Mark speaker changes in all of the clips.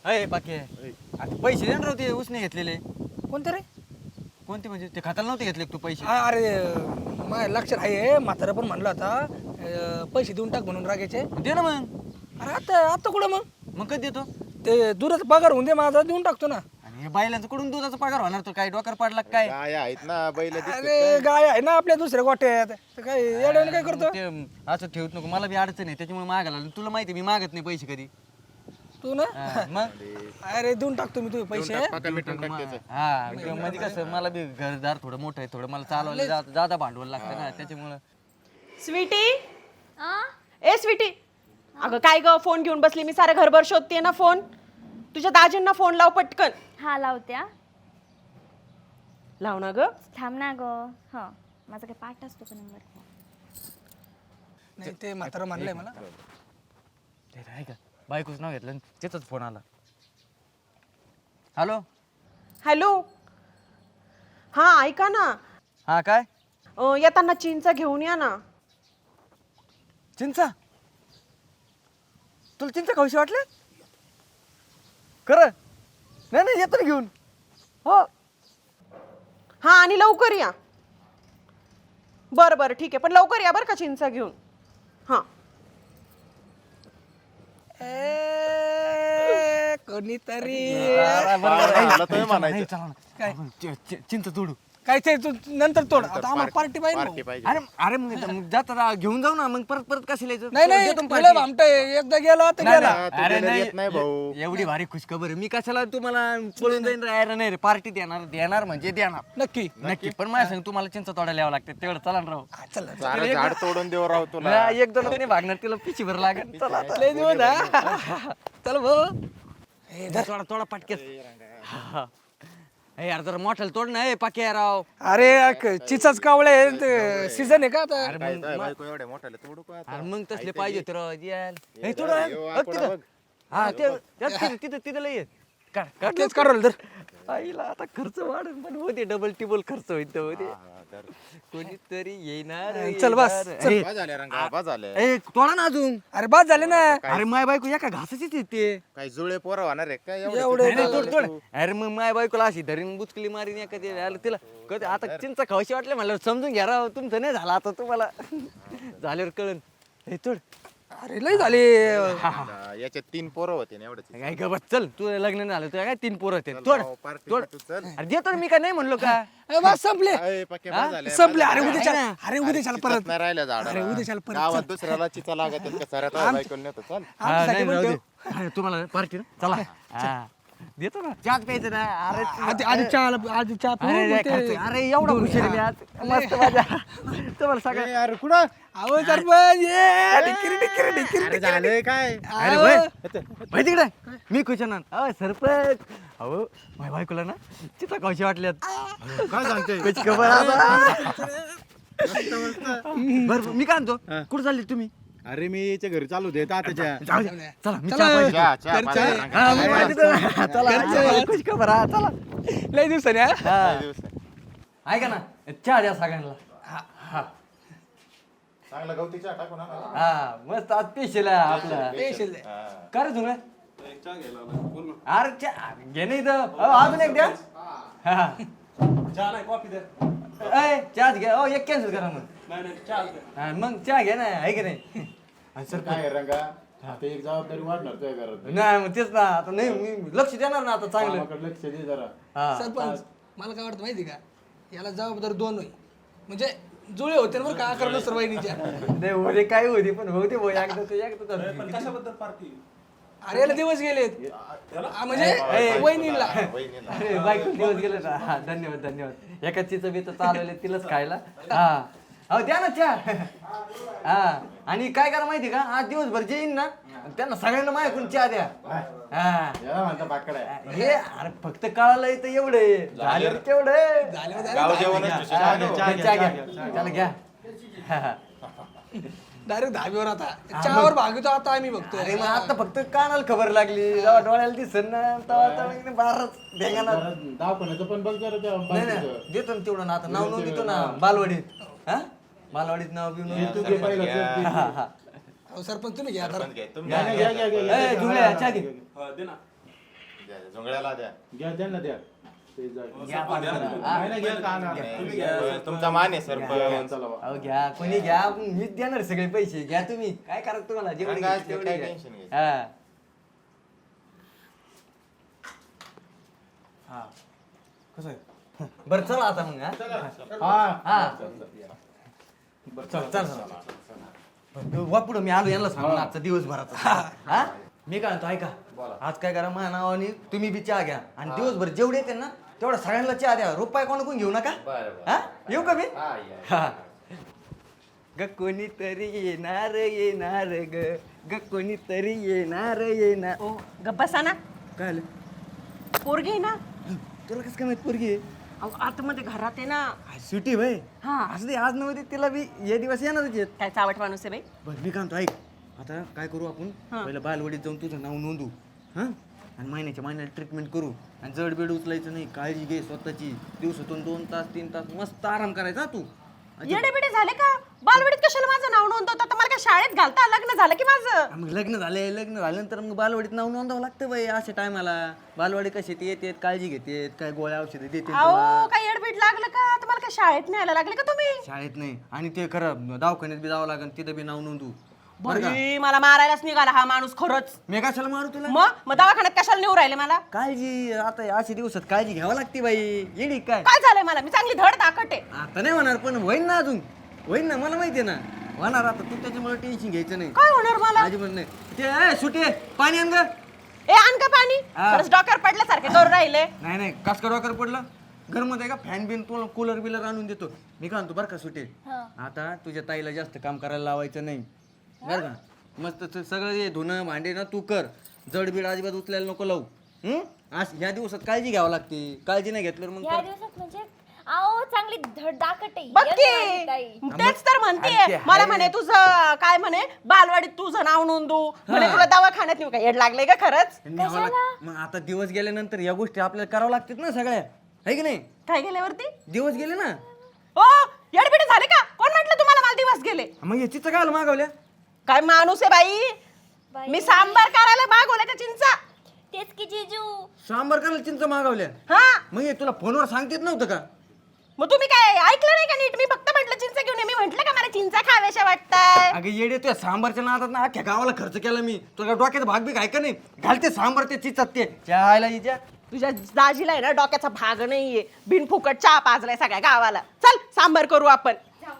Speaker 1: अय पाके पैसे दे ना राव ते उसने घेतलेले.
Speaker 2: कोणते रे?
Speaker 1: कोणते म्हणजे ते खात्याला नव्हते घेतले तू पैसे?
Speaker 2: अरे माझ्या लक्षात आहे, म्हातारा पण म्हणला होता पैसे देऊन टाक म्हणून रागायचे.
Speaker 1: दे ना मग.
Speaker 2: अरे आता आता कुठं
Speaker 1: मग कधी देतो?
Speaker 2: ते दुधाचा पगार होऊन दे माझा, देऊन टाकतो ना.
Speaker 1: आणि हे बायलांचं कुठून दुधाचा पगार होणार? तो काय डोकर पाडला काय?
Speaker 3: काय आहेत ना बैल
Speaker 2: अरे गाय आहे ना आपल्या दुसऱ्या गोट्यात, तर काय येड्याने काय करतो
Speaker 1: ते असं ठेवत नको, मला बी अडचण आहे त्याच्यामुळे मागायला लागलो. तुला माहिती मी मागत नाही पैसे कधी.
Speaker 2: तू ना?
Speaker 1: मग
Speaker 2: अरे देऊन टाकतो मी तुझे पैसे.
Speaker 1: हा म्हणजे कसं मला बी घरदार थोडं मोठं आहे, थोडं मला चालवायला जादा भांडवल लागतं ना त्याच्यामुळं.
Speaker 4: स्वीटी ए स्वीटी, अगं काय ग फोन घेऊन बसली? मी सारं घरभर शोधतेय ना फोन. तुझ्या दाजींना फोन लाव पटकन.
Speaker 5: हा लावत्या.
Speaker 4: लाव ना ग.
Speaker 5: थांब ना ग. हा माझा काय पाठ असतो का नंबर?
Speaker 2: नाही ते म्हातारा म्हणलंय मला.
Speaker 1: ते आहे का बायकोच नाव घेतलं त्याचाच फोन आला. हॅलो.
Speaker 4: हॅलो. हा ऐका ना,
Speaker 1: हा काय?
Speaker 4: येताना चीनचा घेऊन या ना.
Speaker 1: चिंचा? तुला चिंचा खाऊशी वाटले? खरं? नाही नाही येतो ना घेऊन. हो
Speaker 4: हा आणि लवकर या. बरं बरं ठीक आहे, पण लवकर या बरं का चिंचा घेऊन. हा
Speaker 2: कोणीतरी
Speaker 1: चिंच तोडू.
Speaker 2: काय ते तू नंतर तोड, आता आम्हाला पार्टी पाहिजे भाऊ.
Speaker 1: अरे अरे मग जाता घेऊन जाऊ ना, मग परत परत कशाला यायचं?
Speaker 2: नाही नाही
Speaker 1: देतो ना
Speaker 2: तुला
Speaker 1: party.
Speaker 2: भामटं एकदा गेला तर गेला.
Speaker 1: अरे
Speaker 3: येत नाही भाऊ.
Speaker 1: एवढी भारी खुशखबर आहे. मी कशाला तुम्हाला पळून जाईन? अरे नाही रे, पार्टी देणार देणार म्हणजे देणार
Speaker 2: नक्की
Speaker 1: नक्की. पण माझ्या सांग तुम्हाला चिंच तोडायला यावं लागते, तेवढं चला ना राव.
Speaker 2: हा, चल
Speaker 3: सारं झाड तोडून देऊ राव तुला.
Speaker 1: एक दोन नाही भागणार, तिला पिशी भर लागेल. चला आता.
Speaker 2: लय दिवस हा. चल भाऊ.
Speaker 1: थोडा थोडा पटकेस. ए यार जरा मोठ्याला तोड ना. पाके राव.
Speaker 2: अरे चिचाच कावळे सीझन आहे का आता?
Speaker 3: काय काय बायको एवढ्या मोठ्याला तोडू का आता?
Speaker 1: अरे मग तसले पाहिजे होते राव. हे तोड.
Speaker 3: यो, आकडा बघ.
Speaker 1: हा तिथं तिथं लय आहे. काढ
Speaker 2: तेच काढवलं तर.
Speaker 1: आईला आता खर्च वाढेल, पण होते डबल टिबल खर्च होईल. होते कोणीतरी येणार.
Speaker 2: चल बस,
Speaker 1: येणार. ए,
Speaker 3: बा झाल्या रंगा बा झाल्या.
Speaker 1: ए तोडा ना अजून.
Speaker 2: अरे बाद झाले ना.
Speaker 1: अरे माय बायको एका घासाचीच येते.
Speaker 3: काय जुळे पोरं होणार आहे काय
Speaker 2: एवढे
Speaker 1: नाही, नाही, तोड तोड. अरे मग माय बायकोला अशी धरीन बुचकली मारीन एखादी. आलं तिला कधी आता चिंचा खावशी वाटले म्हणलं समजून घ्या राव. तुमचं नाही झालं आता, तुम्हाला झाल्यावर कळन. हे तोड.
Speaker 2: अरे लय झाले.
Speaker 3: याच्यात 3 पोरं होते ना एवढंच.
Speaker 1: काय गबत चल, तू लग्न नाही झालं तुझ्या काय 3 पोरं होते. तोड तोड.
Speaker 3: तू चल.
Speaker 1: अरे देतो ना मी, काय नाही म्हणलो का?
Speaker 2: ए, बस संपले
Speaker 3: अय, पक्के बा झाल्या,
Speaker 2: संपले.
Speaker 3: बा
Speaker 2: अरे
Speaker 3: झाल्या.
Speaker 2: उद्या अरे उद्या
Speaker 3: चिचाच
Speaker 2: परत.
Speaker 3: नाही राहिल्या झाडाला.
Speaker 2: अरे उद्याच्याला परत
Speaker 3: गावात दुसऱ्याला चिचा लागत का साऱ्या बायकोला नेतो चल.
Speaker 1: हा,
Speaker 2: आमच्यासाठी
Speaker 1: नाही,
Speaker 2: पण
Speaker 1: राहू
Speaker 2: ठेव.
Speaker 1: दे. अरे तुम्हाला पार्टी ना, चला. हा. देतो ना, चहाच प्यायचं ना. अरे
Speaker 2: आधी आधी चहा पिऊ,
Speaker 1: अरे
Speaker 2: मग
Speaker 1: नाही
Speaker 2: ते-
Speaker 1: खर्च. अरे एवढा हुशार आहे मी आज. मस्त मजा. तुम्हाला सगळं.
Speaker 3: अरे कुठं
Speaker 2: अहो सरपंच ये ढिक्किरी ढिक्किरी ढिक्किरी
Speaker 3: अरे झालंय काय
Speaker 1: अरे होय. माहिती कडे मी खुशाना. अहो सरपंच, अहो माझ्या बायकोला ना चिता कशी वाटल्यात.
Speaker 3: काय सांगतोय
Speaker 1: कशी खबर आता. बरं मी काय म्हणतो, कुठं चालले तुम्ही?
Speaker 6: अरे मी याच्या घरी चालू दे तात्याच्या.
Speaker 1: जाऊ द्या. चला मी चहा पाहिजे.
Speaker 3: चहा
Speaker 2: घरचं
Speaker 3: पाजा
Speaker 2: आहे.
Speaker 3: रंगा.
Speaker 1: हा, मी पाहिजे तर. चला खुश खबर. हा चला.
Speaker 2: लय दिवसाने हा.
Speaker 1: हा. ऐका ना, चहा द्या सगळ्यांना. हा
Speaker 3: चांगला गवती चहा टाकू ना.
Speaker 1: हा मस्त आज पेशल आहे आपला.
Speaker 2: पेशल
Speaker 1: काय रे तुम्ही? अरे चहा घे नाही इथं. अजून एक द्या. हा. ए, चहाच घ्या. हो एक कॅन्सल करा मग. हा, मग चहा घ्या ना, आहे की नाही? आणि सर
Speaker 6: काय रंगा आता एक जबाबदारी वाढणार तुझ्या घरात.
Speaker 1: नाही मग तेच ना, आता नाही मी लक्ष देणार ना आता चांगलं.
Speaker 6: कामाकडे लक्ष दे जरा.
Speaker 1: हा.
Speaker 2: सरपंच मला काय वाटतं माहिती का, याला जबाबदार 2 होईल. म्हणजे जुळे होते ना बरं का अकरा सर्वांनीच्या.
Speaker 1: नाही होते काय होते, पण होते भाऊ एकदा ते एकदा.
Speaker 2: अरे याला दिवस गेलेत. म्हणजे वहिनीला.
Speaker 3: वहिनीला.
Speaker 1: अरे बायको दिवस गेले ना. हा, धन्यवाद धन्यवाद. एका चिचं बी तर चालवले तिलाच खायला. हा हो द्या ना चहा. हा आणि काय करा माहिती का, आज दिवसभर जे येईन ना त्यांना सगळ्यांना माझ्याकडून चहा द्या. हा
Speaker 6: याला म्हणता बाकडा आहे.
Speaker 1: हे अरे फक्त कळालं तर एवढे झालं तेवढे.
Speaker 3: गाव जेवणच
Speaker 1: चहा घ्या, त्याला घ्या. हा.
Speaker 2: डायरेक्ट धाब्यावर आता चहावर भागतो आता आम्ही बघतोय.
Speaker 1: अरे मग आता फक्त कानाला खबर लागली, जेव्हा डोळ्याला दिसन ना तेव्हा बारच ढेंगाना.
Speaker 6: जरा दवाखान्याचं पण बघ जरा त्या
Speaker 1: नाही नाही देतो ना तेवढं ना, आता नाव नोंद देतो ना बालवाडीत. हा बालवाडीत नाव बिव नोंद
Speaker 6: तू घे पहिलं
Speaker 1: देतो.
Speaker 6: चल.
Speaker 1: हा, हा.
Speaker 2: अहो सरपंच तुम्ही घ्या आता.
Speaker 3: घे, तुम्ही
Speaker 1: घ्या,
Speaker 6: घ्या, घ्या, घ्या, घ्या.
Speaker 1: ए, जुळल्या, चहा घे.
Speaker 3: द्या झोंगड्याला द्या
Speaker 6: घ्या त्यांना द्या ते जा.
Speaker 1: घ्या पाठवून.
Speaker 6: नाही, नाही, घ्या का आणा.
Speaker 3: तुमचा मान आहे सरपंच
Speaker 6: चला बा.
Speaker 1: अहो घ्या कोणी घ्या मीच देणार सगळे पैसे घ्या तुम्ही काय करा तुम्हाला जेवढे
Speaker 3: सांगा,
Speaker 1: घ्यायचे तेवढे
Speaker 3: काय
Speaker 1: घ्या.
Speaker 3: टेन्शन घ्यायचं.
Speaker 1: हा. हा कसं आहे? बरं चला आता मग हा
Speaker 6: हा
Speaker 1: चल चल चल वा पुढं मी आलो यांना सांगून आजचा दिवसभराचा हा मी काय म्हणतो ऐका आज काय करा माझ्या नावाने तुम्ही बी चहा घ्या आणि दिवसभर जेवढे येते ना तेवढा सगळ्यांना चहा द्या रुपये कोण घेऊ नका हा येऊ का मी हा ग कोणीतरी येणार ग कोणीतरी येणार
Speaker 4: ओ गप्पा ना
Speaker 1: काय आलं
Speaker 4: पोरगी आहे ना
Speaker 1: तुला कसं काय माहित पोरगी आहे
Speaker 4: अहो आतमध्ये घरात आहे ना
Speaker 1: सुटी भाई
Speaker 4: हा
Speaker 1: असं ते आज नव्हते तिला बी हे दिवस येणारच आहेत
Speaker 4: काय चावट माणूस आहे बाई
Speaker 1: बरं मी काय म्हणतो ऐक आता काय करू आपण
Speaker 4: हा.
Speaker 1: पहिलं बालवाडीत जाऊन तुझं नाव नोंदू हां आणि महिन्याला ट्रीटमेंट करू आणि जड बेड उचलायचं नाही काळजी घे स्वतःची दिवसातून 2 तास 3 तास मस्त आराम करायचा तू
Speaker 4: येडे बिडे झाले का बालवाडीत कशाला माझं नाव नोंदवतं आता मला काय शाळेत घालता लग्न झालं की माझं
Speaker 1: मग लग्न झाल्यानंतर मग बालवाडीत नाव नोंदावं लागतं बाई अशा टायमाला बालवाडी कशी ते येतात काळजी घेतात काय गोळ्या औषधं देते तुला
Speaker 4: अहो काय येडबीड लागलं का तुम्हाला काय शाळेत न्यायला लागले का तुम्ही
Speaker 1: शाळेत नाही आणि ते खरं दवाखान्यात बी जावं लागेल तिथं बी नाव नोंदू बरं का
Speaker 4: बाई, मला मारायलाच निघाला हा माणूस खरंच
Speaker 1: मी कशाला मारू तुला
Speaker 4: मग दवाखान्यात कशाला नेऊ राहिले मला
Speaker 1: काळजी आता अशा दिवसात काळजी घ्यावं लागते बाई येडी काय
Speaker 4: काय झालंय मला मी चांगली धड ताकट आहे
Speaker 1: आता नाही होणार पण होईन ना अजून होईन ना मला माहितीये ना होणार आता तू त्याच्यामुळे टेन्शन घ्यायचं नाही
Speaker 4: काय होणार मला
Speaker 1: अजिबात नाही ते सुटे पाणी आण ग
Speaker 4: ए आण का पाणी
Speaker 1: हा.
Speaker 4: खरंच डॉक्टर पडल्यासारखे करून राहिले
Speaker 1: नाही कस डॉक्टर पडलं घरमध्ये का फॅन बिन तुला कूलर बिलर आणून देतो मी काय म्हणतो बरं का सुटे आता तुझ्या ताईला जास्त काम करायला लावायचं नाही बरं का मस्त सगळं हे धुणं भांडे ना तू कर जड बीड अजिबात उचलायला नको लावू आज ह्या दिवसात काळजी घ्यावं लागते काळजी नाही घेतल्यावर मग
Speaker 5: या दिवसात म्हणजे आओ चांगली धड दाखट आहे
Speaker 4: बघ
Speaker 5: येते माझी ताई.
Speaker 4: की तेच तर
Speaker 1: अरे
Speaker 4: म्हणते
Speaker 1: ते
Speaker 4: मला
Speaker 1: आहे.
Speaker 4: म्हणे तुझं काय म्हणे बालवाडीत तुझं नाव नोंदू म्हणे तुला दवाखान्यात नेऊ का येड लागले का खरंच
Speaker 1: न्यावं मग आता दिवस गेल्यानंतर या गोष्टी आपल्याला करावं लागतात ना सगळ्या आहे की नाही
Speaker 4: काय गेल्यावरती
Speaker 1: दिवस गेले ना
Speaker 4: ओ येडबिडे झाले का कोण म्हटलं तुम्हाला मला दिवस गेले
Speaker 1: मग हे चित्र काय मागवल्या
Speaker 4: काय माणूस आहे बाई
Speaker 5: बाई.
Speaker 4: मी सांबार करायला मागवल्या त्या चिंचा
Speaker 5: तेच की जिजू
Speaker 1: सांबार करायला चिंच मागवल्या
Speaker 4: हा
Speaker 1: मग हे तुला फोनवर सांगतेत नव्हतं का
Speaker 4: मग तुम्ही काय ऐकलं नाही का नीट मी फक्त म्हटलं चिंचा घेऊन ये. मी म्हटलं का मला चिंचा खाव्याशा वाटताय
Speaker 1: अगं येडे तुझ्या सांबारच्या नादात ना अख्ख्या गावाला खर्च केला मी तुला डोक्यात भाग बी काय का नाही घालते सांबार ते चिचात ते चहायला हिच्या
Speaker 4: तुझ्या दाजीला आहे ना डोक्याचा भाग नाहीये बिनफुकट चहा पाजलाय सगळ्या गावाला चल सांबार करू आपण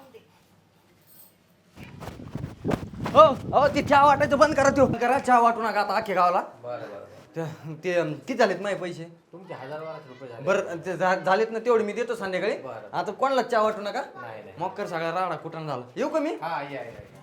Speaker 1: हो हो ते चहा वाटायचं बंद करा तो करा चहा वाटू नका आता अख्ख्या गावाला ते किती झालेत माझे पैसे
Speaker 7: तुमचे 1000-1200 रुपये झाले.
Speaker 1: बरं ते झालेत ना तेवढे मी देतो संध्याकाळी आता कोणाला चहा वाटू नका मग कर सगळा राडा कुठं झाला येऊ का मी
Speaker 7: हा या